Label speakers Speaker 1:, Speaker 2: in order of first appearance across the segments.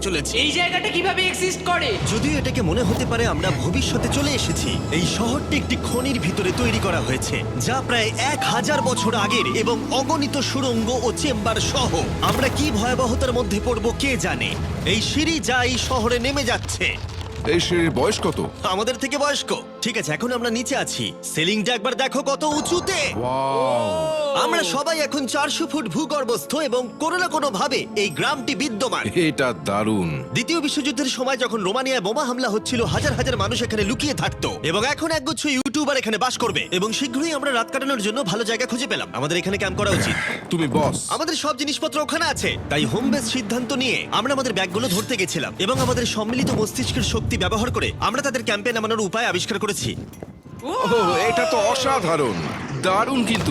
Speaker 1: চলেছে।
Speaker 2: এই জায়গাটা কিভাবে এক্সিস্ট করে?
Speaker 3: যদিও এটাকে মনে হতে পারে আমরা ভবিষ্যতে চলে এসেছি, এই শহরটি একটি খনির ভিতরে তৈরি করা হয়েছে যা প্রায় 1000 বছর আগের এবং অগণিত সুড়ঙ্গ ও চেম্বার সহ। আমরা কি ভয়াবহতার মধ্যে পড়বো কে জানে। এই সিঁড়ি যা এই শহরে নেমে যাচ্ছে
Speaker 4: এই সিঁড়ির বয়স কত?
Speaker 3: আমাদের থেকে বয়স্ক। ঠিক আছে, এখন আমরা নিচে আছি। সিলিংটা একবার দেখো কত উঁচুতে। আমরা সবাই এখন 400 ফুট ভূগর্ভস্থ এবং কোনো না কোনো ভাবে এই গ্রামটি বিদ্যমান।
Speaker 4: এটা দারুণ।
Speaker 3: দ্বিতীয় বিশ্বযুদ্ধের সময় যখন রোমানিয়ায় বোমা হামলা হচ্ছিল, হাজার হাজার মানুষ এখানে লুকিয়ে থাকতো এবং এখন একগুচ্ছ ইউটিউবার এখানে বাস করবে এবং শীঘ্রই আমরা রাত কাটানোর জন্য ভালো জায়গা খুঁজে পেলাম। আমাদের এখানে ক্যাম্প করা উচিত।
Speaker 4: তুমি বস।
Speaker 3: আমাদের সব জিনিসপত্র ওখানে আছে, তাই হোম বেস সিদ্ধান্ত নিয়ে আমরা আমাদের ব্যাগগুলো ধরতে গেছিলাম এবং আমাদের সম্মিলিত মস্তিষ্কের শক্তি ব্যবহার করে আমরা তাদের ক্যাম্পে নামানোর উপায় আবিষ্কার করেছি।
Speaker 4: ওহ, এটা তো অসাধারণ, দারুণ। কিন্তু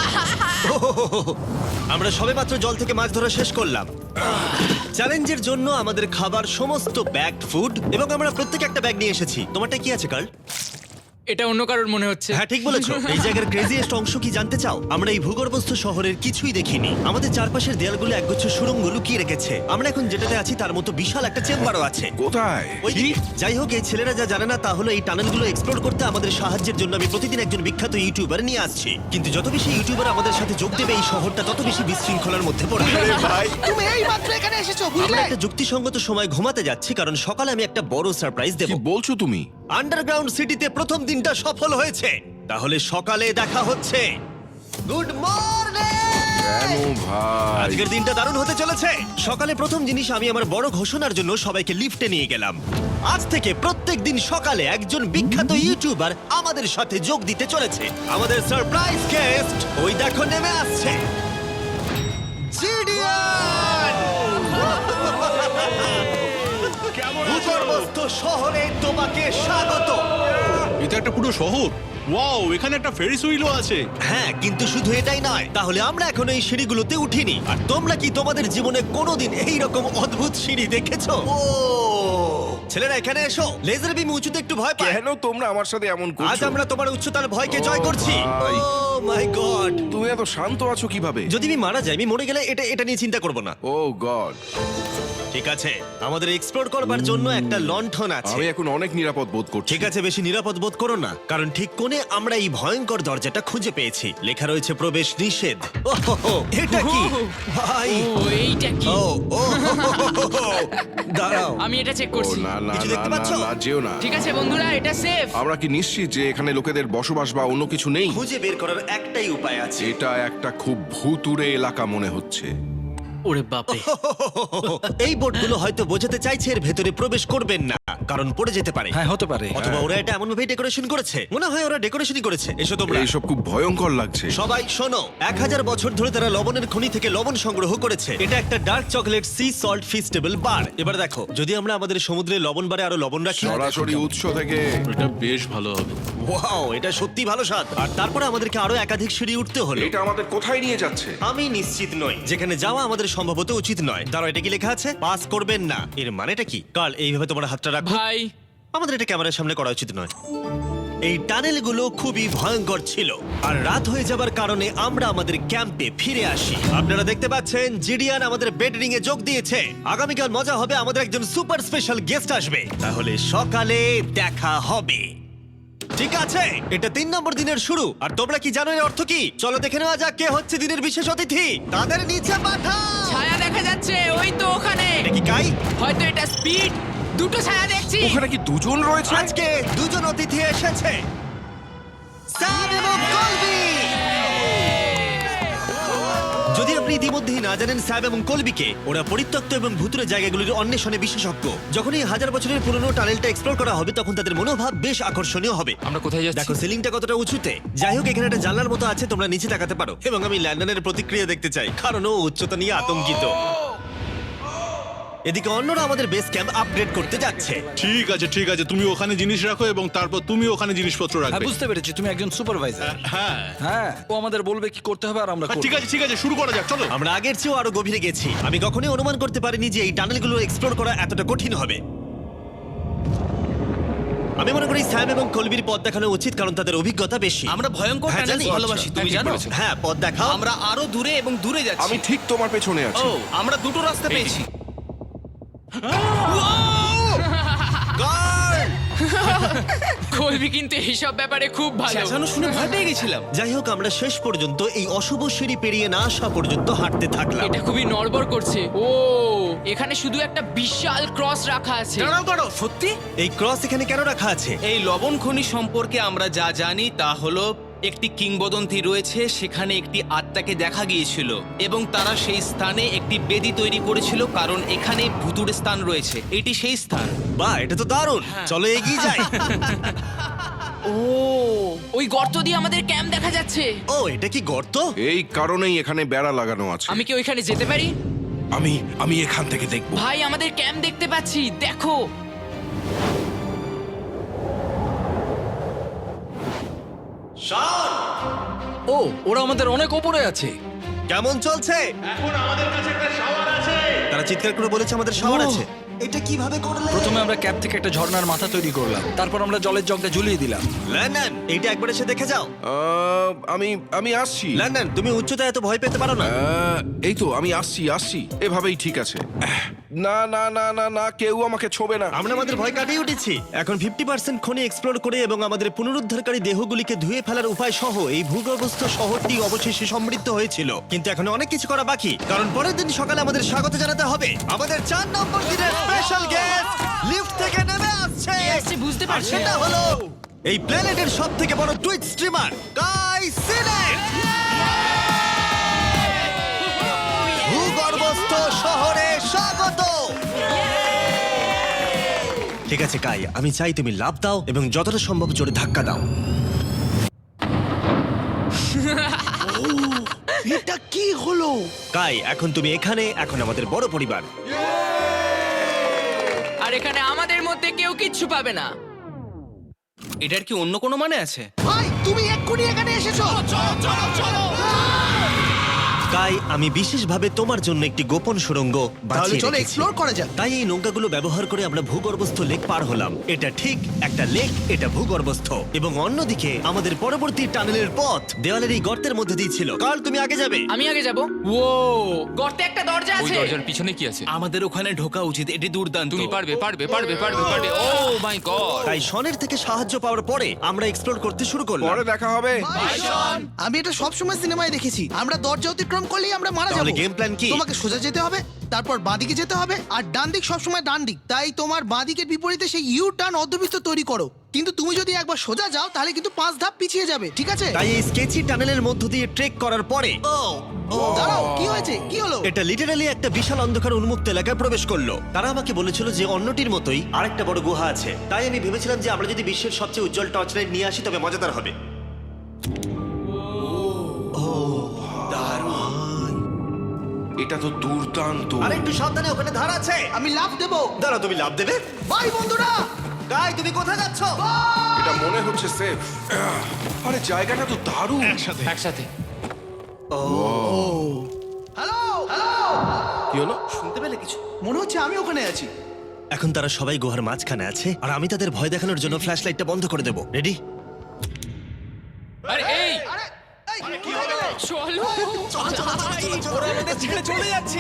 Speaker 3: আমরা সবেমাত্র জল থেকে মাছ ধরা শেষ করলাম। চ্যালেঞ্জের জন্য আমাদের খাবার সমস্ত ব্যাগড ফুড এবং আমরা প্রত্যেক একটা ব্যাগ নিয়ে এসেছি। তোমারটা কি আছে কার্ল?
Speaker 2: এটা অন্য কারোর মনে হচ্ছে।
Speaker 3: হ্যাঁ, ঠিক বলেছো। এই জায়গার ক্রেজিয়েস্ট অংশ কি জানতে চাও? আমরা এই ভূগর্ভস্থ শহরের কিছুই দেখিনি। আমাদের চারপাশের দেয়ালগুলো একগুচ্ছ সুড়ঙ্গ লুকিয়ে রেখেছে। আমরা এখন যেটাতে আছি তার মতো বিশাল একটা চেম্বারও আছে
Speaker 4: কোথায়?
Speaker 3: ওইদিকে। যাই হোক, এই ছেলেরা যা জানে না তা হলো এই টানেলগুলো এক্সপ্লোর করতে আমাদের সাহায্যের জন্য আমি প্রতিদিন একজন বিখ্যাত ইউটিউবার নিয়ে আসছি। কিন্তু যত বেশি ইউটিউবার আমাদের সাথে যোগ দেবে এই শহরটা তত বেশি বিশৃঙ্খলার মধ্যে পড়বে।
Speaker 1: তুমি এই মাত্র এখানে এসেছো,
Speaker 3: আমরা
Speaker 1: বুঝলে?
Speaker 3: একটা যুক্তিসঙ্গত সময় ঘুমাতে যাচ্ছি কারণ সকালে আমি একটা বড় সারপ্রাইজ দেব।
Speaker 4: কি বলছো তুমি?
Speaker 3: আন্ডারগ্রাউন্ড সিটিতে প্রথম দিনটা সফল হয়েছে। তাহলে সকালে দেখা হচ্ছে। Good morning!
Speaker 4: কেন ভাই?
Speaker 3: আজকের দিনটা দারুণ হতে চলেছে। সকালে প্রথম জিনিস, আমি আমার বড় ঘোষণার জন্য সবাইকে লিফটে নিয়ে গেলাম। আজ থেকে প্রত্যেক দিন সকালে একজন বিখ্যাত ইউটিউবার আমাদের সাথে যোগ দিতে চলেছে। আমাদের সারপ্রাইজ গেস্ট ওই দেখো নেমে আসছে, জিডিয়ান! ভূগর্ভস্থ শহরে তোমাকে স্বাগত।
Speaker 5: এটা একটা পুরো শহর। ওয়াও, এখানে একটা ফেরিস হুইলও আছে।
Speaker 3: হ্যাঁ, কিন্তু শুধু এটাই নয়। তাহলে আমরা এখন এই সিঁড়িগুলোতে উঠিনি। আর তোমরা কি তোমাদের জীবনে কোনোদিন এই রকম অদ্ভুত সিঁড়ি দেখেছো? ও ছেলেরা, এখানে এসো। লেজার বিম উঁচুতে একটু ভয় পায়।
Speaker 4: কেন তোমরা আমার সাথে এমন
Speaker 3: আজ
Speaker 4: করছো?
Speaker 3: আমরা তোমার উচ্চতার ভয়কে জয়
Speaker 4: ও
Speaker 3: করছি।
Speaker 4: ভাই।
Speaker 3: Oh my god!
Speaker 4: তুমি এত শান্ত আছো কিভাবে?
Speaker 3: যদি আমি মারা যাই, আমি মরে গেলে এটা নিয়ে চিন্তা করব না।
Speaker 4: ও গড,
Speaker 3: ঠিক আছে, আমাদের এক্সপ্লোর করবার জন্য একটা লণ্ঠন আছে।
Speaker 4: আমি এখন অনেক নিরাপদ বোধ করছি।
Speaker 3: ঠিক আছে, বেশি নিরাপদ বোধ করো না, কারণ ঠিক কোণে আমরা এই ভয়ঙ্কর দরজাটা খুঁজে পেয়েছি। লেখা রয়েছে প্রবেশ নিষেধ। ওহো, এটা কি ভাই?
Speaker 2: ও এইটা কি?
Speaker 3: ও ও দাঁড়াও,
Speaker 2: আমি এটা চেক
Speaker 4: ও
Speaker 2: করছি।
Speaker 4: না না
Speaker 3: কিছু
Speaker 4: না
Speaker 3: দেখতে
Speaker 4: না
Speaker 3: পাচ্ছো?
Speaker 4: না, যেও না।
Speaker 2: ঠিক আছে বন্ধুরা, এটা সেফ।
Speaker 4: আমরা কি নিশ্চিত যে এখানে লোকেদের বসবাস বা অন্য কিছু নেই?
Speaker 3: খুঁজে বের করার একটাই উপায় আছে।
Speaker 4: এটা একটা খুব ভুতুড়ে এলাকা মনে হচ্ছে।
Speaker 2: ওরে বাপরে।
Speaker 3: এই বোর্ডগুলো হয়তো বোঝাতে চাইছে এর ভেতরে প্রবেশ করবেন না, কারণ পড়ে যেতে পারে।
Speaker 1: হ্যাঁ, হতে পারে।
Speaker 3: অথবা ওরা এটা এমন ভাবে ডেকোরেশন করেছে, মনে হয় ওরা ডেকোরেশনই করেছে। এসো তোমরা
Speaker 4: এইসব খুব ভয়ঙ্কর লাগছে।
Speaker 3: সবাই শোনো। 1000 বছর ধরে তারা লবণের খনি থেকে লবণ সংগ্রহ করেছে। এটা একটা dark chocolate sea salt Feastables bar. এবার দেখো, যদি আমরা আমাদের সমুদ্রে লবণ বারে আরো লবণ রাখি।
Speaker 4: সরাসরি উৎস থেকে।
Speaker 5: এটা বেশ ভালো হবে।
Speaker 3: ওয়াও, এটা সত্যি ভালো স্বাদ। আর তারপরে আমাদেরকে আরো একাধিক সিঁড়ি উঠতে হলো।
Speaker 4: এটা আমাদের কোথায় নিয়ে যাচ্ছে?
Speaker 3: আমি নিশ্চিত নই। যেখানে যাওয়া আমাদের সম্ভবত উচিত নয়। দাঁড়াও, এটা কি লেখা আছে? পাস করবেন না। এর মানেটা কি? কাল এইভাবে তোমার হাতটা রাখো।
Speaker 2: ভাই,
Speaker 3: আমাদের এটা ক্যামেরার সামনে করা উচিত নয়। এই টানেলগুলো খুবই ভয়ঙ্কর ছিল আর রাত হয়ে যাবার কারণে আমরা আমাদের ক্যাম্পে ফিরে আসি। আপনারা দেখতে পাচ্ছেন জিডিয়ান আমাদের বেডরিং এ যোগ দিয়েছে। আগামীকাল মজা হবে, আমাদের একজন সুপার স্পেশাল গেস্ট আসবে। তাহলে সকালে দেখা হবে। ঠিক আছে, এটা 3 নম্বর দিনের শুরু। আর তোমরা কি জানো এর অর্থ কি? চলো দেখে নেওয়া যাক কে হচ্ছে দিনের বিশেষ অতিথি। তাদের নিচে পাঠাও।
Speaker 2: ছায়া দেখা যাচ্ছে ওই তো ওখানে।
Speaker 3: এটা কি কাই?
Speaker 2: হয়তো এটা স্পিড। দুটো ছায়া দেখছি।
Speaker 4: ওখানে কি দুজন রয়েছে?
Speaker 3: আজকে দুজন অতিথি এসেছে, স্যাম এবং কলবি। যদি আপনি ইতিমধ্যেই না জানেন স্যাম এবং কলবিকে, ওরা পরিত্যক্ত এবং ভুতুরে জায়গাগুলির অন্বেষণে বিশেষজ্ঞ। যখন এই 1000 বছরের পুরনো টানেলটা এক্সপ্লোর করা হবে তখন তাদের মনোভাব বেশ আকর্ষণীয় হবে।
Speaker 2: আমরা কোথায় যাচ্ছি?
Speaker 3: দেখো সিলিংটা কতটা উঁচুতে। যাই হোক, এখানে একটা জানলার মতো আছে, তোমরা নিচে তাকাতে পারো। এবং আমি ল্যান্ডনের প্রতিক্রিয়া দেখতে চাই, কারণ ও উচ্চতা নিয়ে আতঙ্কিত। এদিকে অন্যরা আমাদের বেস ক্যাম্প আপগ্রেড করতে যাচ্ছে।
Speaker 5: ঠিক আছে ঠিক আছে, তুমি ওখানে জিনিস রাখো এবং তারপর তুমি ওখানে জিনিসপত্র
Speaker 1: হ্যাঁ,
Speaker 5: রাখবে।
Speaker 1: বুঝতে পেরেছি, তুমি একজন সুপারভাইজার।
Speaker 5: হ্যাঁ
Speaker 1: হ্যাঁ, ও আমাদের বলবে কি করতে হবে আর আমরা করব।
Speaker 5: ঠিক আছে, শুরু করা যাক, চলো।
Speaker 3: আমরা আগের চেয়েও আরো গভীরে গেছি। আমি কখনোই অনুমান করতে পারিনি যে এই টানেলগুলো এক্সপ্লোর করা এতটা কঠিন হবে। আমি মনে করি স্যাম এবং কলবির পথ দেখানো উচিত, কারণ তাদের অভিজ্ঞতা বেশি।
Speaker 6: আমরা ভয়ঙ্কর
Speaker 3: হ্যাঁ,
Speaker 6: টানেল
Speaker 3: জানি।
Speaker 6: ভালোবাসি, তুমি
Speaker 4: ঠিক
Speaker 6: জানো?
Speaker 4: বলেছো।
Speaker 3: হ্যাঁ, পথ দেখাও।
Speaker 6: আমরা আরো দূরে এবং দূরে যাচ্ছি।
Speaker 4: আমি ঠিক তোমার পেছনে আছি।
Speaker 6: ও, আমরা দুটো রাস্তা পেয়েছি।
Speaker 3: Guard!
Speaker 2: কলবি কিন্তু এইসব ব্যাপারে খুব ভালো।
Speaker 1: চেঁচানো শুনে ভয় পেয়ে গেছিলাম।
Speaker 3: যাই হোক, আমরা শেষ পর্যন্ত এই অশুভ সিঁড়ি পেরিয়ে না আসা পর্যন্ত হাঁটতে থাকলাম।
Speaker 2: এটা খুবই নড়বড় করছে। ও এখানে শুধু একটা বিশাল ক্রস রাখা আছে।
Speaker 1: দাঁড়াও সত্যি?
Speaker 3: এই ক্রস এখানে কেন রাখা আছে?
Speaker 6: এই লবণ খনি সম্পর্কে আমরা যা জানি তা হলো একটি কিংবদন্তি রয়েছে, সেখানে একটি আত্মাকে দেখা গিয়েছিল এবং তারা সেই স্থানে একটি বেদি তৈরি করেছিল, কারণ এখানে ভুতুড়ে স্থান রয়েছে। এটি সেই স্থান।
Speaker 3: বাহ, এটা তো দারুণ। চলো এগিয়ে যাই।
Speaker 2: ও ওই গর্ত দিয়ে আমাদের ক্যাম্প দেখা যাচ্ছে।
Speaker 3: ও, এটা কি গর্ত?
Speaker 4: এই কারণেই এখানে বেড়া লাগানো আছে।
Speaker 2: আমি কি ওইখানে যেতে পারি?
Speaker 4: আমি এখান থেকে দেখব।
Speaker 2: ভাই আমাদের ক্যাম্প দেখতে পাচ্ছি, দেখো।
Speaker 1: ও, ওরা আমাদের অনেক ওপরে আছে।
Speaker 3: কেমন চলছে? তারা চিৎকার করে বলেছে আমাদের শাওয়ার আছে। এটা কিভাবে করলে?
Speaker 1: প্রথমে আমরা ক্যাপ থেকে একটা ঝর্ণার মাথা তৈরি করলাম, তারপর আমরা জলের জগটা ঝুলিয়ে দিলাম।
Speaker 3: লন্ডন, এইটা একবার এসে দেখে যাও।
Speaker 4: আমি আসছি।
Speaker 3: লন্ডন, তুমি উচ্চতায় এত ভয় পেতে পারো না।
Speaker 4: এই তো আমি আসছি এভাবেই ঠিক আছে। না না না না না, কেউ আমাকে ছোবে না।
Speaker 3: আমরা আমাদের ভয় কাটিয়ে উঠেছি। এখন 50% খনি এক্সপ্লোর করে এবং আমাদের পুনরুদ্ধারকারী দেহগুলিকে ধুয়ে ফেলার উপায় সহ এই ভূগর্ভস্থ শহরটি অবশেষে সমৃদ্ধ হয়েছিল। কিন্তু এখন অনেক কিছু করা বাকি, কারণ পরের দিন সকালে আমাদের স্বাগত জানাতে হবে আমাদের 4 নম্বর দিনের স্পেশাল গেস্ট লিফট থেকে নেমে আসছে।
Speaker 2: কে আসছে বুঝতে
Speaker 3: আর
Speaker 2: পারছি
Speaker 3: সেটা
Speaker 2: না।
Speaker 3: হলো এই প্ল্যানেটের সবথেকে বড় টুইট স্ট্রিমার কাই সিনেট। ভূগর্ভস্থ শহরে স্বাগত। ঠিক আছে কাই, আমি চাই তুমি লাফ দাও এবং যতটা সম্ভব জোরে ধাক্কা দাও।
Speaker 1: এটা কি হলো?
Speaker 3: কাই, এখন তুমি এখানে, এখন আমাদের বড় পরিবার।
Speaker 2: আর এখানে আমাদের মধ্যে কেউ কিচ্ছু পাবে না।
Speaker 6: এটার কি অন্য কোনো মানে আছে?
Speaker 1: ভাই তুমি এক্ষুনি এখানে এসেছো। চলো।
Speaker 3: কাই, আমি বিশেষভাবে তোমার জন্য একটি গোপন সুড়ঙ্গ বাছিয়ে
Speaker 1: চলো
Speaker 3: রেখেছি।
Speaker 1: এক্সপ্লোর করা যাক।
Speaker 3: তাই এই নৌকাগুলো ব্যবহার করে আমরা ভূগর্ভস্থ লেক পার হলাম। এটা ঠিক একটা লেক, এটা ভূগর্ভস্থ, এবং অন্যদিকে আমাদের পরবর্তী টানেলের পথ দেওয়ালের এই গর্তের মধ্যে দিয়ে ছিল। কাল তুমি আগে যাবে।
Speaker 2: আমি আগে যাব। ও গর্তে একটা দরজা
Speaker 7: ওই
Speaker 2: আছে।
Speaker 7: দরজার পিছনে কি আছে?
Speaker 6: আমাদের ওখানে ঢোকা উচিত, এটি দুর্দান্ত।
Speaker 7: তুমি পারবে। Oh my god!
Speaker 3: তাই শনের থেকে সাহায্য পাওয়ার পরে আমরা এক্সপ্লোর করতে শুরু করলাম।
Speaker 4: পরে দেখা হবে।
Speaker 1: আমি এটা সবসময় সিনেমায় দেখেছি, আমরা দরজা অতিক্রম করলেই আমরা মারা
Speaker 3: তাহলে
Speaker 1: যাবো।
Speaker 3: game plan কি?
Speaker 1: তোমাকে সোজা যেতে হবে, তারপর বাঁদিকে যেতে হবে, আর ডান দিক সবসময় ডান দিক। তাই তোমার বাঁদিকের বিপরীতে সেই ইউ টার্ন অর্ধবৃত্ত তৈরি করো। কিন্তু তুমি যদি একবার সোজা যাও তাহলে কিন্তু 5 ধাপ পিছিয়ে যাবে, ঠিক আছে?
Speaker 3: তাই এই স্কেচি টানেলের মধ্য দিয়ে ট্রেক করার পরে
Speaker 1: দাঁড়াও, কি হয়েছে? কি হলো?
Speaker 3: এটা লিটারালি একটা বিশাল অন্ধকার উন্মুক্ত এলাকায় প্রবেশ করলো। তারা আমাকে বলেছিল যে অন্যটির মতোই আরেকটা বড় গুহা আছে। তাই আমি ভেবেছিলাম যে আমরা যদি বিশ্বের সবচেয়ে উজ্জ্বল টর্চ লাইট নিয়ে আসি তবে মজাদার হবে।
Speaker 4: এটা তো দুর্দান্ত।
Speaker 3: আর একটু সাবধানে, ওখানে ধার আছে।
Speaker 1: আমি লাফ দেবো।
Speaker 3: দাঁড়াও, তুমি লাভ দেবে?
Speaker 1: বাই বন্ধুরা।
Speaker 3: গাই, তুমি কোথায় যাচ্ছ?
Speaker 4: এটা মনে হচ্ছে সেফ। আরে জায়গাটা তো দারুণ।
Speaker 7: একসাথে।
Speaker 1: হ্যালো হ্যালো,
Speaker 4: কি হলো?
Speaker 6: শুনতে পেলে কিছু?
Speaker 1: মনে হচ্ছে আমি ওখানে আছি।
Speaker 3: এখন তারা সবাই গুহার মাঝখানে আছে, আর আমি তাদের ভয় দেখানোর জন্য ফ্ল্যাশ লাইটটা বন্ধ করে দেবো। রেডি?
Speaker 7: আরে এই
Speaker 1: আরে এই, কি
Speaker 2: চলো
Speaker 1: ছেড়ে চলে যাচ্ছে।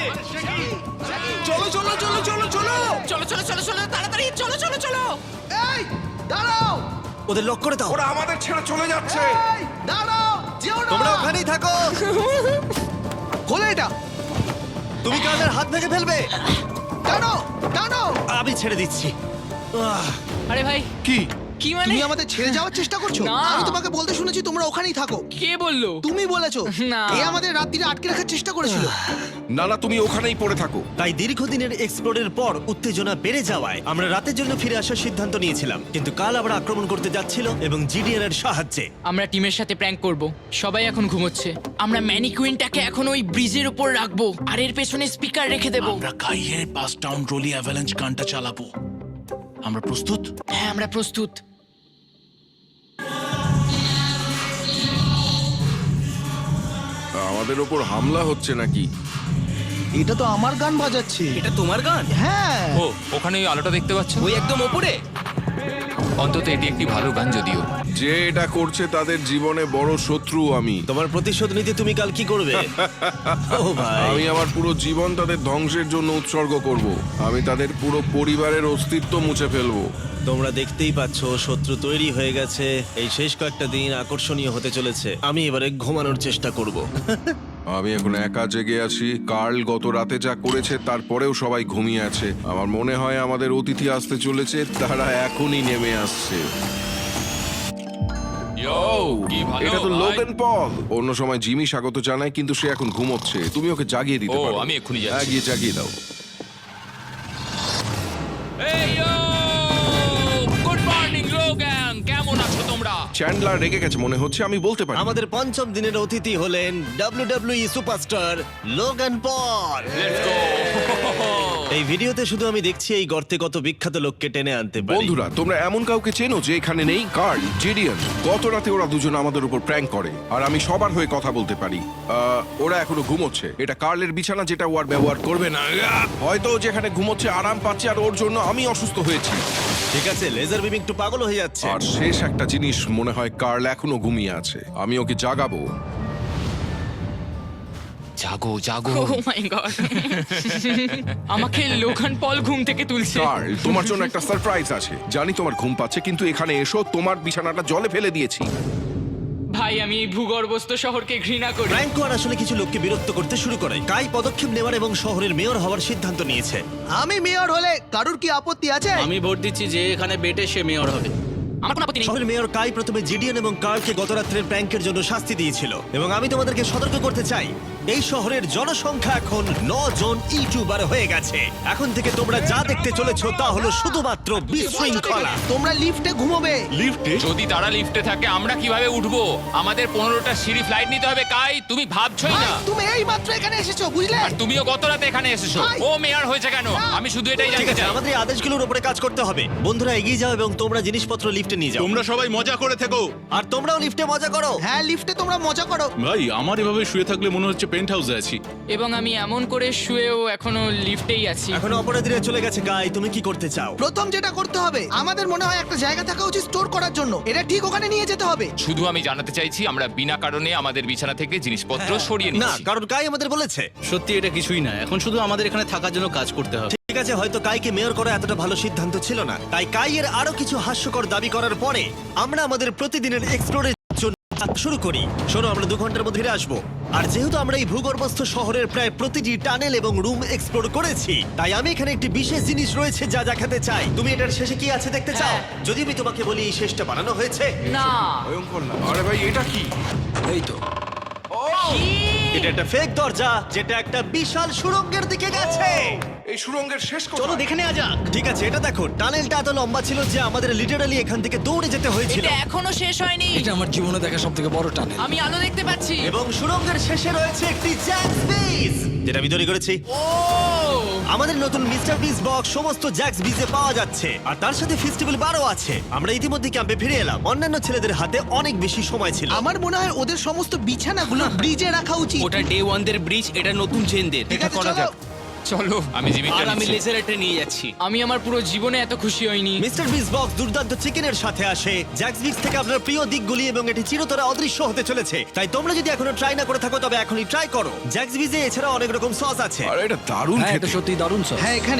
Speaker 1: চলো
Speaker 2: তাড়াতাড়ি চলো।
Speaker 1: এই দাঁড়াও,
Speaker 3: ওদের লক করে দাও।
Speaker 4: ওরা আমাদের ছেড়ে চলে যাচ্ছে।
Speaker 1: এই দাঁড়াও, যেও না।
Speaker 3: তোমরা ওখানেই থাকো।
Speaker 1: খোলো এটা।
Speaker 3: তুমি কানের হাত ভেঙে ফেলবে।
Speaker 1: টানো।
Speaker 3: আমি ছেড়ে দিচ্ছি।
Speaker 2: আরে ভাই
Speaker 4: কি?
Speaker 2: কি মানে?
Speaker 1: তুমি আমাদের ছেড়ে যাওয়ার চেষ্টা করছো?
Speaker 2: না।
Speaker 1: আমি তোমাকে বলতে শুনেছি তোমরা ওখানেই থাকো।
Speaker 2: কে বললো?
Speaker 1: তুমি বলেছো।
Speaker 2: না।
Speaker 1: এ আমাদের রাত্রিরে আটকে রাখার চেষ্টা করেছিল।
Speaker 4: না না, তুমি ওখানেই পড়ে থাকো।
Speaker 3: তাই দীর্ঘদিনের এক্সপ্লোরের পর উত্তেজনা বেড়ে যাওয়ায় আমরা রাতের জন্য ফিরে আসার সিদ্ধান্ত নিয়েছিলাম। কিন্তু কাল আবার আক্রমণ করতে যাচ্ছিল এবং জিডিএন এর সাহায্যে।
Speaker 2: আমরা টিমের সাথে প্র্যাঙ্ক করব। সবাই এখন ঘুমোচ্ছে। আমরা ম্যানিকুইনটাকে এখন ওই ব্রিজের উপর রাখবো আর এর পেছনে স্পিকার রেখে দেব।
Speaker 5: আমরা কাইয়ের পাস টাউন রোলি অ্যাভালাঞ্চ গানটা চালাবো। আমরা প্রস্তুত?
Speaker 2: হ্যাঁ আমরা প্রস্তুত।
Speaker 4: আমাদের ওপর হামলা হচ্ছে নাকি?
Speaker 1: এটা তো আমার গান বাজাচ্ছে।
Speaker 6: এটা তোমার গান?
Speaker 1: হ্যাঁ।
Speaker 7: ও ওখানে ওই আলোটা দেখতে পাচ্ছ?
Speaker 6: ওই একদম ওপরে?
Speaker 7: অন্তত এটি একটি ভালো গান যদিও।
Speaker 4: যে এটা করছে তাদের জীবনে বড় শত্রু আমি।
Speaker 3: তোমার প্রতিশোধ নিতে তুমি কাল কি করবে? ও ভাই,
Speaker 4: আমি আমার পুরো জীবন তাদের ধ্বংসের জন্য উৎসর্গ করব। আমি তাদের পুরো পরিবারের অস্তিত্ব মুছে ফেলবো।
Speaker 3: তোমরা দেখতেই পাচ্ছ শত্রু তৈরি হয়ে গেছে। এই শেষ কয়েকটা দিন আকর্ষণীয় হতে চলেছে। আমি এবারে ঘুমানোর চেষ্টা করব।
Speaker 4: আমি এখন একা জেগে আছি। কার্ল গত রাতে যা করেছে তারপরেও সবাই ঘুমিয়ে আছে। আমার মনে হয় আমাদের অতিথি আসতে চলেছে, তারা এখনই নেমে আসছে।
Speaker 7: কি ভালো
Speaker 4: এটা তো
Speaker 7: ভাই।
Speaker 4: Logan Paul. অন্য সময় জিমি স্বাগত জানায়, কিন্তু সে এখন ঘুমোচ্ছে। তুমি ওকে জাগিয়ে দিতে
Speaker 7: ও,
Speaker 4: পারো।
Speaker 7: আমি এক্ষুনি যাচ্ছি।
Speaker 4: হ্যাঁ, গিয়ে জাগিয়ে দাও।
Speaker 7: এই গুড মর্নিং লোগান, কেমন আছো তোমরা?
Speaker 4: চ্যান্ডলার রেগে গেছে মনে হচ্ছে, আমি বলতে পারি।
Speaker 3: আমাদের পঞ্চম দিনের অতিথি হলেন WWE superstar Logan Paul.
Speaker 7: Let's go.
Speaker 3: এই ভিডিওতে শুধু আমি দেখছি এই গর্তে কত বিখ্যাত লোককে টেনে আনতে পারি।
Speaker 4: বন্ধুরা, তোমরা এমন কাউকে চেনো যে এখানে নেই? Karl, Jidion. গত রাতে ওরা দুজন আমাদের উপর প্র্যাঙ্ক করে, আর আমি সবার হয়ে কথা বলতে পারি। ওরা এখনো ঘুমোচ্ছে। এটা কার্লের বিছানা, যেটা ও আর ব্যবহার করবে না। হয়তো ও যেখানে ঘুমোচ্ছে আরাম পাচ্ছে, আর ওর জন্য আমি অসুস্থ হয়েছি।
Speaker 3: ঠিক আছে, লেজার বিম একটু পাগল হয়ে যাচ্ছে।
Speaker 4: আর শেষ একটা জিনিস, মনে হয় কার্ল এখনো ঘুমিয়ে আছে। আমি ওকে জাগাবো।
Speaker 7: জাগো জাগো।
Speaker 2: ও মাই গড, আমাকে লোগান পল ঘুম থেকে তুলছে।
Speaker 4: কার্ল, তোমার জন্য একটা সারপ্রাইজ আছে। জানি তোমার ঘুম পাচ্ছে, কিন্তু এখানে এসো, তোমার বিছানাটা জলে ফেলে দিয়েছি।
Speaker 2: ভাই, আমি এই ভূগর্ভস্থ শহরকে ঘৃণা করি।
Speaker 3: ফ্র্যাঙ্কো আর আসলে কিছু লোককে বিরক্ত করতে শুরু করে। কাই পদক্ষেপ নেওয়ার এবং শহরের মেয়র হওয়ার সিদ্ধান্ত নিয়েছে।
Speaker 1: আমি মেয়র হলে কারুর কি আপত্তি আছে?
Speaker 6: আমি ভোট দিচ্ছি যে এখানে বেটে সে মেয়র হবে।
Speaker 2: আমার কোনো আপত্তি নেই।
Speaker 3: শহরের মেয়র কাই প্রথমে জিডিয়ান এবং কার্লকে গত রাত্রের প্র্যাঙ্কের জন্য শাস্তি দিয়েছিল, এবং আমি তোমাদেরকে সতর্ক করতে চাই, এই শহরের জনসংখ্যা এখন 9 জন ইউটিউবার হয়ে গেছে। এখন থেকে তোমরা যা দেখতে চলেছো তা হলো শুধুমাত্র বিশৃঙ্খলা।
Speaker 1: তোমরা লিফটে ঘুমোবে।
Speaker 7: যদি তারা লিফটে থাকে আমরা কিভাবে উঠবো? আমাদের 15টা সিঁড়ি ফ্লাইট নিতে হবে। কাই, তুমি ভাবছই
Speaker 1: ভাই,
Speaker 7: না।
Speaker 1: তুমি এই মাত্র এখানে এসেছো, বুঝলে?
Speaker 7: আর তুমিও গত রাতে এখানে এসেছো।
Speaker 1: ভাই।
Speaker 7: ও মেয়র হয়েছে কেন? আমি শুধু এটাই
Speaker 3: ঠিক
Speaker 7: জানতে
Speaker 3: আছে,
Speaker 7: চাই।
Speaker 3: আমাদের এই আদেশগুলোর উপরে কাজ করতে হবে। বন্ধুরা এগিয়ে যাও এবং তোমরা জিনিসপত্র লিফটে নিয়ে যাও।
Speaker 8: তোমরা সবাই মজা করে থেকো।
Speaker 3: আর তোমরাও লিফটে মজা করো।
Speaker 1: হ্যাঁ, লিফটে তোমরা মজা করো।
Speaker 8: ভাই, আমার এভাবে শুয়ে থাকলে মনে হচ্ছে পেন্ট হাউসে আছি।
Speaker 2: এবং আমি এমন করে শুয়েও এখনো লিফটেই আছি।
Speaker 3: এখন অপরাধীরা চলে গেছে। কাই, তুমি কি করতে চাও?
Speaker 1: প্রথম যেটা করতে হবে, আমাদের মনে হয় একটা জায়গা থাকা উচিত স্টোর করার জন্য। এটা ঠিক ওখানে নিয়ে যেতে হবে।
Speaker 7: শুধু আমি জানাতে চাইছি আমরা বিনা কারণে আমাদের বিছানা থেকে জিনিসপত্র সরিয়ে
Speaker 3: না,
Speaker 7: নিচ্ছি।
Speaker 3: কারণ কাই আমাদের বলেছে।
Speaker 6: সত্যি এটা কিছুই না, এখন শুধু আমাদের এখানে থাকার জন্য কাজ করতে হবে।
Speaker 3: ঠিক আছে, হয়তো কাইকে মেয়র করা এতটা ভালো সিদ্ধান্ত ছিল না। তাই কাইয়ের আরো কিছু হাস্যকর দাবি করার পরে আমরা আমাদের প্রতিদিনের এক্সপ্লোরের জন্য শুরু করি। শোনো, আমরা 2 ঘন্টার মধ্যে ফিরে আসবো। আর যেহেতু আমরা এই ভূগর্ভস্থ শহরের প্রায় প্রতিটি টানেল এবং রুম এক্সপ্লোর করেছি, তাই আমি এখানে একটি বিশেষ জিনিস রয়েছে যা দেখাতে চাই। তুমি এটার শেষে কি আছে দেখতে চাও?
Speaker 2: হ্যাঁ।
Speaker 3: যদি আমি তোমাকে বলি এই শেষটা বানানো হয়েছে।
Speaker 2: না,
Speaker 4: ভয়ঙ্কর না? আরে ভাই, এটা কি?
Speaker 3: এটা একটা ফেক দরজা, যেটা একটা বিশাল সুড়ঙ্গের দিকে গেছে।
Speaker 4: এই সুড়ঙ্গের শেষ
Speaker 6: চলো
Speaker 4: কোথায়?
Speaker 6: দেখে নেওয়া যাক।
Speaker 3: ঠিক আছে, এটা দেখো, টানেলটা এত লম্বা ছিল যে আমাদের লিটারালি এখান থেকে দৌড়ে যেতে হয়েছিল।
Speaker 2: এটা এখনো শেষ হয়নি।
Speaker 9: এটা আমার জীবনে দেখা সবথেকে বড় টানেল।
Speaker 2: আমি আলো দেখতে পাচ্ছি।
Speaker 3: এবং সুড়ঙ্গের শেষে রয়েছে একটি জ্যাক্স বিজ, যেটা আমি তৈরি করেছি।
Speaker 2: ও,
Speaker 3: আমাদের নতুন মিস্টার বিস বক্স সমস্ত জ্যাক্স বিজে পাওয়া যাচ্ছে, আর তার সাথে ফেস্টিভ্যাল বারও আছে। আমরা ইতিমধ্যে ক্যাম্পে ফিরে এলাম। অন্যান্য ছেলেদের হাতে অনেক বেশি সময় ছিল।
Speaker 1: আমার মনে হয় ওদের সমস্ত বিছানাগুলো ব্রিজে রাখা উচিত।
Speaker 6: ওটা ডে ওয়ানদের ব্রিজ, এটা নতুন চেনদের।
Speaker 1: ঠিক আছে, চলো।
Speaker 7: চলো, আমি জিমিকে
Speaker 6: আর আমি
Speaker 7: নিচ্ছি।
Speaker 6: লেজারটা নিয়ে যাচ্ছি।
Speaker 2: আমি আমার পুরো জীবনে এত খুশি হইনি।
Speaker 3: মিস্টার বিস বক্স দুর্দান্ত চিকেনের সাথে আসে, জ্যাক্স বিক্স থেকে আপনার প্রিয় দিকগুলি, এবং এটি চিরতরে অদৃশ্য হতে চলেছে। তাই তোমরা যদি এখনো ট্রাই না করে থাকো তবে এখনই ট্রাই করো। জ্যাক্স বিজে এছাড়া অনেক রকম সস আছে।
Speaker 4: আরে এটা দারুণ
Speaker 9: হ্যাঁ, এটা
Speaker 4: খেতে।
Speaker 9: সত্যি দারুণ সব।
Speaker 1: হ্যাঁ, এখানে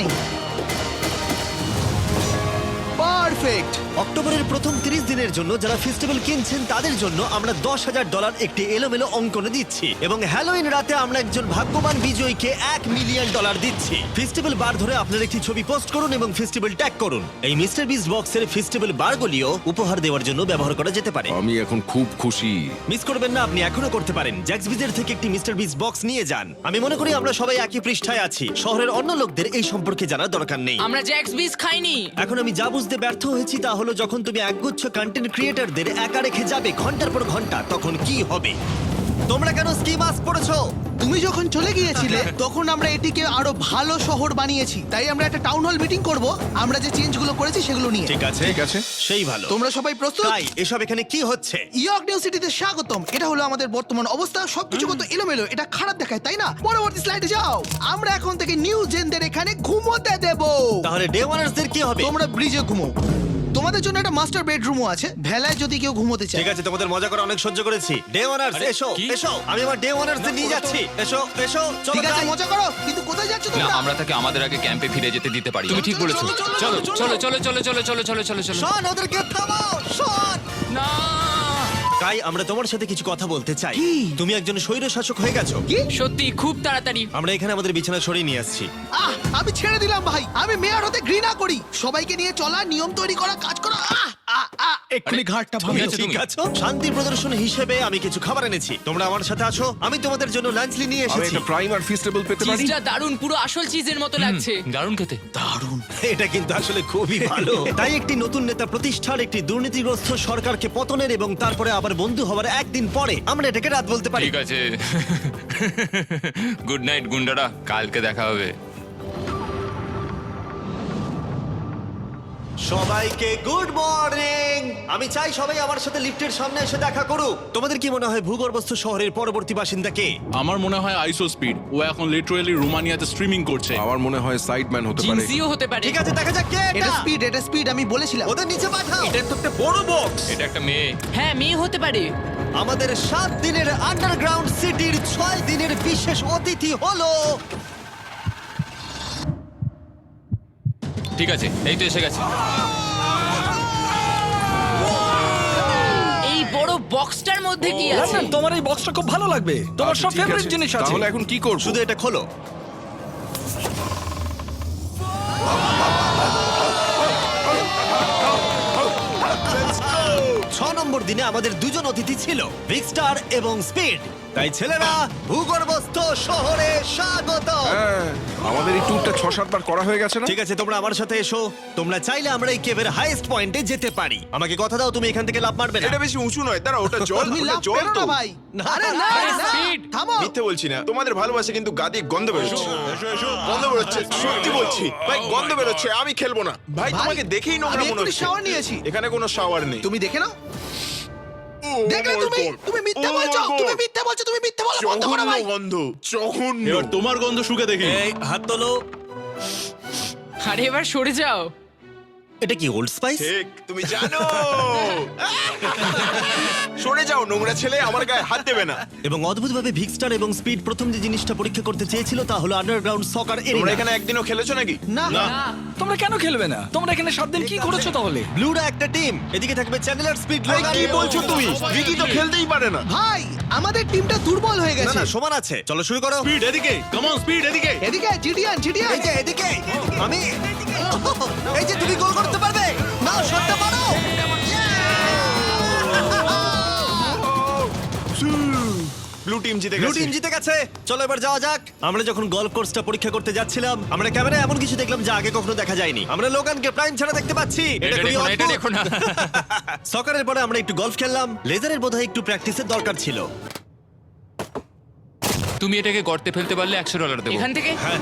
Speaker 1: পারফেক্ট।
Speaker 3: অক্টোবরের প্রথম 30 দিনের জন্য যারা ফেস্টিভ্যাল কিনছেন তাদের জন্য আমরা $10,000 একটি এলোমেলো অঙ্কনে দিচ্ছি, এবং হ্যালোইন রাতে আমরা একজন ভাগ্যবান বিজয়ীকে $1 মিলিয়ন দিচ্ছি। ফেস্টিভ্যাল বার ধরে আপনার একটি ছবি পোস্ট করুন এবং ফেস্টিভ্যাল ট্যাগ করুন। এই মিস্টার বিস বক্সের ফেস্টিভ্যাল বারগুলিও উপহার দেওয়ার জন্য ব্যবহার করা যেতে পারে।
Speaker 4: আমি এখন খুব খুশি।
Speaker 3: মিস করবেন না, আপনি এখনো করতে পারেন। জ্যাক্স বিজের থেকে একটি মিস্টার বিস বক্স নিয়ে যান। আমি মনে করি আমরা সবাই একই পৃষ্ঠায় আছি। শহরের অন্য লোকদের এই সম্পর্কে জানার দরকার নেই।
Speaker 2: আমরা জ্যাক্স বিস খাইনি।
Speaker 3: এখন আমি যা বুঝতে ব্যর্থ হয়েছি তা হলো, যখন তুমি একগুচ্ছ কন্টেন্ট ক্রিয়েটরদের একা রেখে যাবে ঘন্টার পর ঘন্টা, তখন কি হবে? তোমরা কেন স্কি মাস্ক পড়েছো?
Speaker 1: তুমি যখন চলে গিয়েছিলে তখন আমরা এটিকে আরো ভালো শহর বানিয়েছি। তাই আমরা একটা টাউন হল মিটিং করব, আমরা যে চেঞ্জগুলো করেছি সেগুলো নিয়ে।
Speaker 3: ঠিক আছে,
Speaker 4: ঠিক আছে।
Speaker 3: সেই ভালো।
Speaker 1: তোমরা সবাই প্রস্তুত?
Speaker 3: তাই এসব এখানে কি হচ্ছে?
Speaker 1: ইয়র্ক নিউ সিটিতে স্বাগতম। এটা হলো আমাদের বর্তমান অবস্থা। সবকিছু কত এলোমেলো, এটা খারাপ দেখায়, তাই না? পরবর্তী স্লাইডে যাও। আমরা এখন থেকে নিউ জেনদের এখানে ঘুমোতে দেব।
Speaker 3: তাহলে ডে ওয়ানার্সদের কি হবে?
Speaker 1: তোমরা ব্রিজে ঘুমো। তোমাদের জন্য একটা মাস্টার বেডরুমও আছে ভেলায় যদি কেউ ঘুমোতে চায়।
Speaker 3: ঠিক আছে, তোমাদের মজা করে অনেক সহ্য করেছি। ডে ওয়ানার্স এসো
Speaker 7: কি?
Speaker 3: এসো, আমি আমার ডে ওয়ানার্স নিয়ে যাচ্ছি। এসো এসো, চলো
Speaker 1: ঠিক আছে
Speaker 3: যাই।
Speaker 1: মজা করো, কিন্তু কোথায় যাচ্ছ
Speaker 7: না
Speaker 1: তোমরা?
Speaker 7: আমরা তাকে আমাদের আগে ক্যাম্পে ফিরে যেতে দিতে পারি তুমি ঠিক বলেছো চলো চলো চলো চলো চলো চলো চলো চলো চলো
Speaker 3: শোন, ওদেরকে থামাও, শোন।
Speaker 7: না
Speaker 3: তাই আমরা তোমার সাথে কিছু কথা বলতে চাই। তুমি একজন স্বৈর শাসক হয়ে গেছো।
Speaker 2: সত্যি খুব তাড়াতাড়ি।
Speaker 3: আমরা এখানে আমাদের বিছানা সরিয়ে নিয়ে আসছি।
Speaker 1: আমি ছেড়ে দিলাম ভাই, আমি মেয়র হতে ঘৃণা করি। সবাইকে নিয়ে চলা, নিয়ম তৈরি করা, কাজ করা। এক্ষুনি ঘাটটা ভাঙে।
Speaker 7: আছো
Speaker 3: ঠিক
Speaker 7: তুমি?
Speaker 3: আছে, শান্তি প্রদর্শন হিসেবে আমি কিছু খাবার এনেছি। তোমরা আমার সাথে আছো, আমি তোমাদের জন্য লাঞ্চ নিয়ে
Speaker 4: আমি
Speaker 3: এসেছি।
Speaker 4: একটা প্রাইম আর ফিস্টেবল পেতে পারি?
Speaker 2: চিজটা দারুণ, পুরো আসল চিজের মতো লাগছে।
Speaker 7: দারুণ খেতে
Speaker 3: এটা কিন্তু আসলে খুবই ভালো। তাই একটি নতুন নেতা প্রতিষ্ঠার, একটি দুর্নীতিগ্রস্ত সরকারকে পতনের এবং তারপরে আবার বন্ধু হওয়ার একদিন পরে আমরা এটাকে রাত বলতে পারি।
Speaker 7: ঠিক আছে গুড নাইট গুন্ডারা কালকে দেখা হবে
Speaker 3: সবাইকে গুড মর্নিং। আমি চাই সবাই আমার সাথে লিফটের সামনে এসে দেখা করুক। তোমাদের কি মনে হয় ভূগর্ভস্থ শহরের পরবর্তী বাসিন্দা কে?
Speaker 8: আমার মনে হয় আইসো স্পিড ও এখন লিটারালি রোমানিয়াতে স্ট্রিমিং করছে।
Speaker 4: আমার মনে হয় সাইডম্যান হতে পারে।
Speaker 2: জিনসিও হতে পারে।
Speaker 3: ঠিক আছে, দেখা যাক কে
Speaker 1: এটা স্পিড, এটা স্পিড, আমি বলেছিলাম।
Speaker 3: ওদের নিচে পাঠাও। এটা তো একটা বড় বক্স।
Speaker 7: এটা একটা মেয়ে
Speaker 2: হ্যাঁ, মেয়ে হতে পারে।
Speaker 3: আমাদের 7 দিনের আন্ডারগ্রাউন্ড সিটির 6 দিনের বিশেষ অতিথি হলো
Speaker 7: ঠিক আছে এই তো এসে গেছে
Speaker 2: এই বড় বক্সটার মধ্যে কি আছে?
Speaker 9: লন্ডন, তোমার এই বক্সটা খুব ভালো লাগবে, তোমার
Speaker 4: আচ্ছা,
Speaker 9: সব
Speaker 4: ঠিক
Speaker 9: ফেভারিট
Speaker 4: আছে।
Speaker 9: জিনিস আছে।
Speaker 4: তাহলে এখন কি করব?
Speaker 3: শুধু এটা খোলো। ছ নম্বর দিনে আমাদের দুজন অতিথি ছিল, ভিক্সটার এবং স্পিড। তাই ছেলেরা, ভূগর্ভস্থ শহরে স্বাগত।
Speaker 4: হ্যাঁ, আমাদের এই ট্যুরটা 6-7 বার করা হয়ে গেছে না?
Speaker 3: ঠিক আছে, তোমরা আমার সাথে এসো। তোমরা চাইলে আমরা এই কেভের হাইয়েস্ট পয়েন্টে যেতে পারি। আমাকে কথা দাও, তুমি এখান থেকে লাফ মারবে না।
Speaker 10: বেশি উঁচু নয়, দাঁড়া, ওটা জল,
Speaker 1: তুমি
Speaker 10: ওটা
Speaker 1: লাভ
Speaker 10: জল
Speaker 1: করো
Speaker 10: তো।
Speaker 1: না ভাই। আরে না,
Speaker 2: আরে
Speaker 1: না,
Speaker 2: speed।
Speaker 1: থামো।
Speaker 10: মিথ্যে বলছি না, তোমাদের ভালোবাসা কিন্তু গাদি গন্ধ বেরোচ্ছে। গন্ধ বেরোচ্ছে, সত্যি বলছি ভাই, গন্ধ বেরোচ্ছে। আমি খেলবো না ভাই,
Speaker 1: ভাই,
Speaker 10: তোমাকে দেখেই নোংরা
Speaker 1: আমি
Speaker 10: মনে
Speaker 1: এক্ষুনি
Speaker 10: হচ্ছে।
Speaker 1: shower নিয়েছি।
Speaker 10: এখানে কোনো শাওয়ার নেই।
Speaker 1: তুমি দেখে নাও।
Speaker 10: ও
Speaker 1: দেখলে
Speaker 10: my
Speaker 1: তুমি,
Speaker 10: God!
Speaker 1: তুমি মিথ্যে
Speaker 10: Oh my
Speaker 1: বলছো,
Speaker 10: God!
Speaker 1: তুমি মিথ্যে বলছো, তুমি মিথ্যে বলো, বন্ধ করো
Speaker 10: জঘন্য
Speaker 1: ভাই।
Speaker 10: গন্ধ, জঘন্য।
Speaker 8: এবার তোমার গন্ধ শুকে দেখি।
Speaker 3: এই হাত তোলো।
Speaker 2: আরে এবার সরে যাও।
Speaker 3: এটা কি ওল্ড স্পাইস?
Speaker 10: ঠিক, তুমি জানো। সরে যাও নোংরা ছেলে, আমার গায়ে হাত দেবে না।
Speaker 3: এবং অদ্ভুতভাবে ভিক্সটার এবং স্পিড প্রথম যে জিনিসটা পরীক্ষা করতে চেয়েছিল তা হলো আন্ডারগ্রাউন্ড সকার
Speaker 10: তোমরা
Speaker 3: এরিয়া।
Speaker 10: এখানে একদিনও খেলেছো নাকি?
Speaker 1: না,
Speaker 9: তোমরা কেন খেলবে না? তোমরা এখানে 7 দিন কি করেছো তাহলে?
Speaker 3: ব্লুরা একটা টিম, এদিকে থাকবে চ্যানেলার, স্পিড,
Speaker 10: ভাই,
Speaker 3: লোগান।
Speaker 10: কি বলছো তুমি? ভিকি তো খেলতেই পারে না।
Speaker 1: ভাই, আমাদের টিমটা দুর্বল হয়ে
Speaker 3: না
Speaker 1: গেছে।
Speaker 3: না, সমান আছে। চলো শুরু করো।
Speaker 8: স্পিড এদিকে, কাম অন স্পিড এদিকে।
Speaker 1: এদিকে জিডিয়ান, জিডিয়ান।
Speaker 3: এই যে এদিকে, আমি এই যে তুমি গোল করতে পারবে। নাও শটটা মারো।
Speaker 10: ব্লু টিম জিতে
Speaker 3: ব্লু
Speaker 10: গেছে।
Speaker 3: টিম জিতে গেছে। চলো এবার যাওয়া যাক। আমরা যখন গলফ কোর্সটা পরীক্ষা করতে যাচ্ছিলাম, আমরা ক্যামেরায় এমন কিছু দেখলাম যা আগে কখনো দেখা যায়নি। আমরা লোগানকে প্রাইম ছাড়া দেখতে পাচ্ছি।
Speaker 7: এটা
Speaker 3: খুবই
Speaker 7: দেখো না, এটা
Speaker 3: অদ্ভুত।
Speaker 7: দেখো না।
Speaker 3: সকারের পরে আমরা একটু গলফ খেললাম। লেজারের বোধহয় একটু প্র্যাকটিসের দরকার ছিল।
Speaker 7: তুমি এটাকে গর্তে ফেলতে পারলে $100 দেবো
Speaker 2: এখান থেকে
Speaker 3: হ্যাঁ,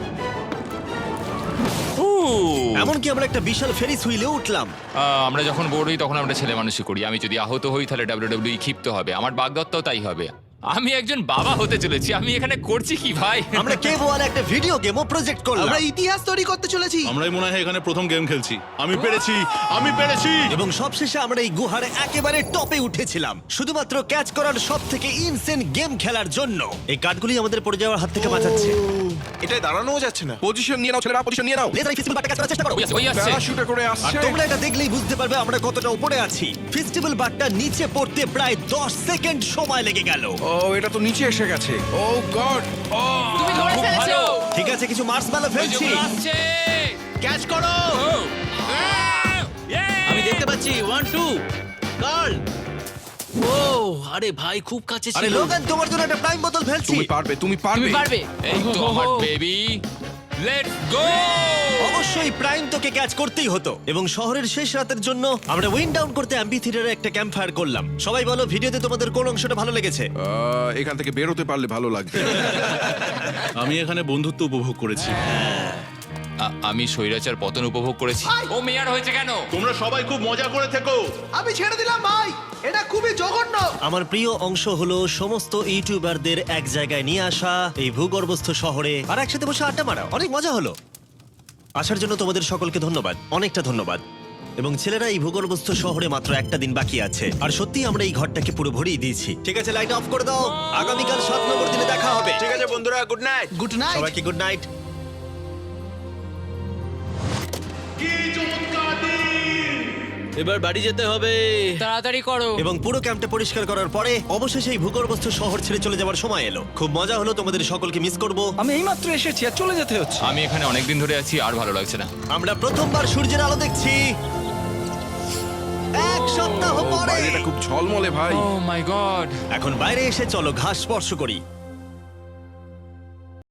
Speaker 3: এমনকি আমরা একটা বিশাল ফেরিস হুইলে উঠলাম।
Speaker 7: আমরা যখন বোর্ড হই তখন আমরা ছেলে মানুষই করি আমি যদি আহত হই তাহলে WWE ক্ষিপ্ত হবে আমার বাগদত্তাও তাই হবে আমি একজন বাবা হতে চলেছি আমি এখানে করছি কি ভাই
Speaker 3: আমরা কেভ ওয়ালে একটা ভিডিও গেমও প্রজেক্ট করলাম।
Speaker 1: আমরা ইতিহাস তৈরি করতে চলেছি।
Speaker 8: আমরাই মনে হয় এখানে প্রথম গেম খেলছি। আমি পেরেছি, আমি পেরেছি।
Speaker 3: এবং সবশেষে আমরা এই গুহার একেবারে টপে উঠেছিলাম শুধুমাত্র ক্যাচ করার সব থেকে ইনসেন গেম খেলার জন্য। এই কাঠগুলি আমাদের পড়ে যাওয়ার হাত থেকে বাঁচাচ্ছে।
Speaker 10: এটাই দাঁড়ানোও যাচ্ছে না।
Speaker 4: পজিশন নিয়ে নাও ছেলেরা, পজিশন নিয়ে নাও।
Speaker 3: লেজার ফেস্টিভ্যাল বারটা ক্যাচ করার চেষ্টা করো।
Speaker 7: ওই আসছে
Speaker 4: প্যারাশুটে করে
Speaker 3: আর
Speaker 4: আসছে।
Speaker 3: তোমরা এটা দেখলেই বুঝতে পারবে আমরা কতটা উপরে আছি। ফেস্টিভ্যাল বারটা নিচে পড়তে প্রায় 10 সেকেন্ড সময় লেগে গেল।
Speaker 4: ও, এটা তো নিচে এসে গেছে। Oh god.
Speaker 2: তুমি ধরে
Speaker 7: খুব
Speaker 2: ফেলেছো।
Speaker 7: ভালো।
Speaker 3: ঠিক আছে, কিছু মার্সম্যালো ফেলছি।
Speaker 7: আসছে
Speaker 3: ক্যাচ করো।
Speaker 9: আমি দেখতে পাচ্ছি 1 2 কার্ল। ও আরে ভাই, খুব কাছে
Speaker 3: আরে
Speaker 9: ছিল।
Speaker 3: লোগান, তোমার জন্য একটা প্রাইম বোতল ফেলছি।
Speaker 4: তুমি পারবে, তুমি পারবে।
Speaker 2: তুমি পারবে।
Speaker 7: এই তো আমার বেবি লেটস গো
Speaker 3: অবশ্যই প্রাইম তোকে ক্যাচ করতেই হতো। এবং শহরের শেষ রাতের জন্য আমরা উইন্ড ডাউন করতে অ্যাম্পি থিয়েটারে একটা ক্যাম্প ফায়ার করলাম। সবাই বলো ভিডিওতে তোমাদের কোন অংশটা ভালো লেগেছে?
Speaker 4: এখান থেকে বেরোতে পারলে ভালো লাগবে।
Speaker 8: আমি এখানে বন্ধুত্ব উপভোগ করেছি।
Speaker 7: আমি স্বৈরাচার পতন উপভোগ করেছি ও মেয়ার হয়েছে কেন
Speaker 8: তোমরা সবাই খুব মজা করে থেকো।
Speaker 1: আমি ছেড়ে দিলাম ভাই, এটা খুবই জঘন্য।
Speaker 3: আমার প্রিয় অংশ হলো সমস্ত ইউটিউবারদের এক জায়গায় নিয়ে আসা এই ভূগর্ভস্থ শহরে আর একসাথে বসে আড্ডা মারা। অনেক মজা হলো। আসার জন্য তোমাদের সকলকে ধন্যবাদ, অনেকটা ধন্যবাদ। এবং ছেলেরা এই ভূগর্ভস্থ শহরে মাত্র একটা দিন বাকি আছে আর সত্যি আমরা এই ঘরটাকে পুরো ভরিয়ে দিয়েছি। ঠিক আছে, লাইট অফ করে দাও। আগামীকাল 7 নম্বর দিনে দেখা হবে।
Speaker 10: ঠিক আছে বন্ধুরা, গুড নাইট।
Speaker 1: Good night.
Speaker 3: সবাইকে গুড নাইট।
Speaker 9: এবার বাড়ি যেতে হবে।
Speaker 2: তাড়াতাড়ি করো।
Speaker 3: এবং পুরো ক্যাম্পটা পরিষ্কার করার পরে অবশেষে এই ভূগর্ভস্থ শহর ছেড়ে চলে যাওয়ার সময় এলো। খুব মজা হলো, তোমাদের সকলকে মিস করব।
Speaker 9: আমি এইমাত্র এসেছি আর চলে যেতে হচ্ছে।
Speaker 7: আমি এখানে অনেকদিন ধরে আছি আর ভালো লাগছে না।
Speaker 3: আমরা প্রথমবার সূর্যের আলো দেখছি 1 সপ্তাহ পরে।
Speaker 4: বাইরেটা খুব ঝলমলে ভাই।
Speaker 7: Oh my god.
Speaker 3: এখন বাইরে এসে চলো ঘাস স্পর্শ করি।